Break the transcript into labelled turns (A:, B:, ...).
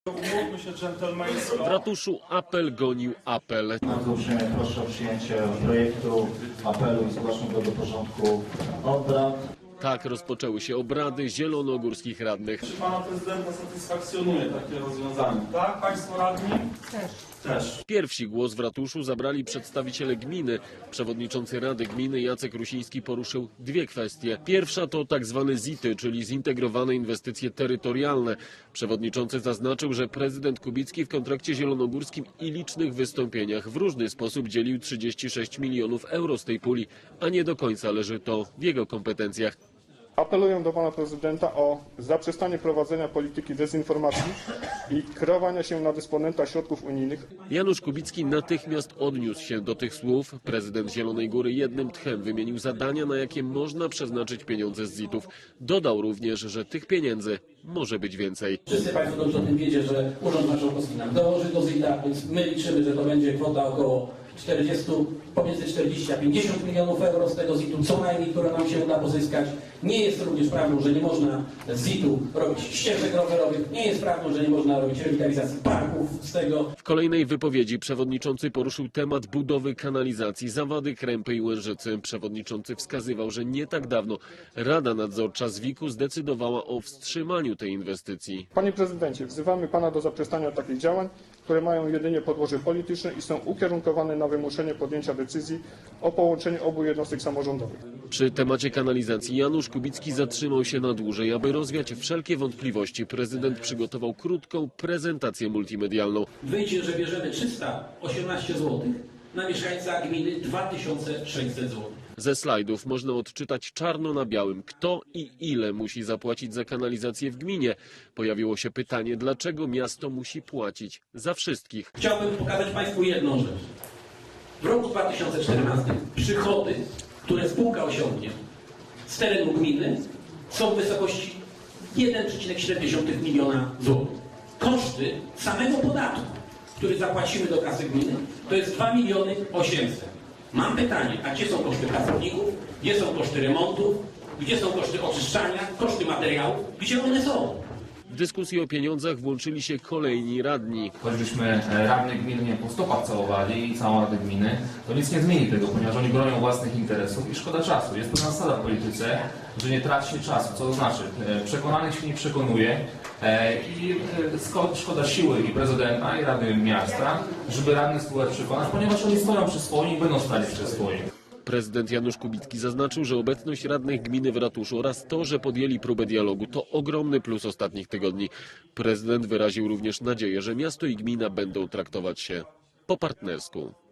A: Umówmy się dżentelmeńsko.
B: W ratuszu apel gonił apel.
C: Bardzo uprzejmie proszę o przyjęcie projektu apelu i zgłaszam go do porządku obrad.
B: Tak rozpoczęły się obrady zielonogórskich radnych.
A: Czy pana prezydenta satysfakcjonuje takie rozwiązanie? Tak? Państwo radni? Też.
B: Pierwsi głos w ratuszu zabrali przedstawiciele gminy. Przewodniczący Rady Gminy Jacek Rusiński poruszył dwie kwestie. Pierwsza to tak zwane ZIT-y, czyli zintegrowane inwestycje terytorialne. Przewodniczący zaznaczył, że prezydent Kubicki w kontrakcie zielonogórskim i licznych wystąpieniach w różny sposób dzielił 36 milionów euro z tej puli, a nie do końca leży to w jego kompetencjach.
D: Apeluję do pana prezydenta o zaprzestanie prowadzenia polityki dezinformacji i kreowania się na dysponenta środków unijnych.
B: Janusz Kubicki natychmiast odniósł się do tych słów. Prezydent Zielonej Góry jednym tchem wymienił zadania, na jakie można przeznaczyć pieniądze z ZIT-ów. Dodał również, że tych pieniędzy może być więcej.
E: Wszyscy Państwo dobrze o tym wiecie, że Urząd Marszałkowski nam dołoży do ZIT-a, więc my liczymy, że to będzie kwota około pomiędzy 40 a 50 milionów euro z tego ZIT-u, co najmniej, które nam się uda pozyskać. Nie jest również prawdą, że nie można z ZIT-u robić ścieżek rowerowych, nie jest prawdą, że nie można robić rewitalizacji parków z tego.
B: W kolejnej wypowiedzi przewodniczący poruszył temat budowy kanalizacji Zawady, Krępy i Łężycy. Przewodniczący wskazywał, że nie tak dawno Rada Nadzorcza ZWIK-u zdecydowała o wstrzymaniu tej inwestycji.
D: Panie prezydencie, wzywamy pana do zaprzestania takich działań, które mają jedynie podłoże polityczne i są ukierunkowane na wymuszenie podjęcia decyzji o połączeniu obu jednostek samorządowych.
B: Przy temacie kanalizacji Janusz Kubicki zatrzymał się na dłużej. Aby rozwiać wszelkie wątpliwości, prezydent przygotował krótką prezentację multimedialną.
E: Wyjdzie, że bierzemy 318 zł, na mieszkańca gminy 2600 zł.
B: Ze slajdów można odczytać czarno na białym, kto i ile musi zapłacić za kanalizację w gminie. Pojawiło się pytanie, dlaczego miasto musi płacić za wszystkich.
E: Chciałbym pokazać Państwu jedną rzecz. W roku 2014 przychody, które spółka osiągnie z terenu gminy, są w wysokości 1,7 miliona złotych. Koszty samego podatku, który zapłacimy do kasy gminy, to jest 2 miliony 800. Mam pytanie, a gdzie są koszty pracowników, gdzie są koszty remontów, gdzie są koszty oczyszczania, koszty materiałów, gdzie one są?
B: W dyskusji o pieniądzach włączyli się kolejni radni.
F: Choćbyśmy radnych gminy po stopach całowali i całą Radę Gminy, to nic nie zmieni tego, ponieważ oni bronią własnych interesów i szkoda czasu. Jest pewna zasada w polityce, że nie traci się czasu, co to znaczy przekonanych się nie przekonuje i szkoda siły i prezydenta i Rady Miasta, żeby radnych spróbować przekonać, ponieważ oni stoją przy swoim i będą stali przy swoim.
B: Prezydent Janusz Kubicki zaznaczył, że obecność radnych gminy w ratuszu oraz to, że podjęli próbę dialogu, to ogromny plus ostatnich tygodni. Prezydent wyraził również nadzieję, że miasto i gmina będą traktować się po partnersku.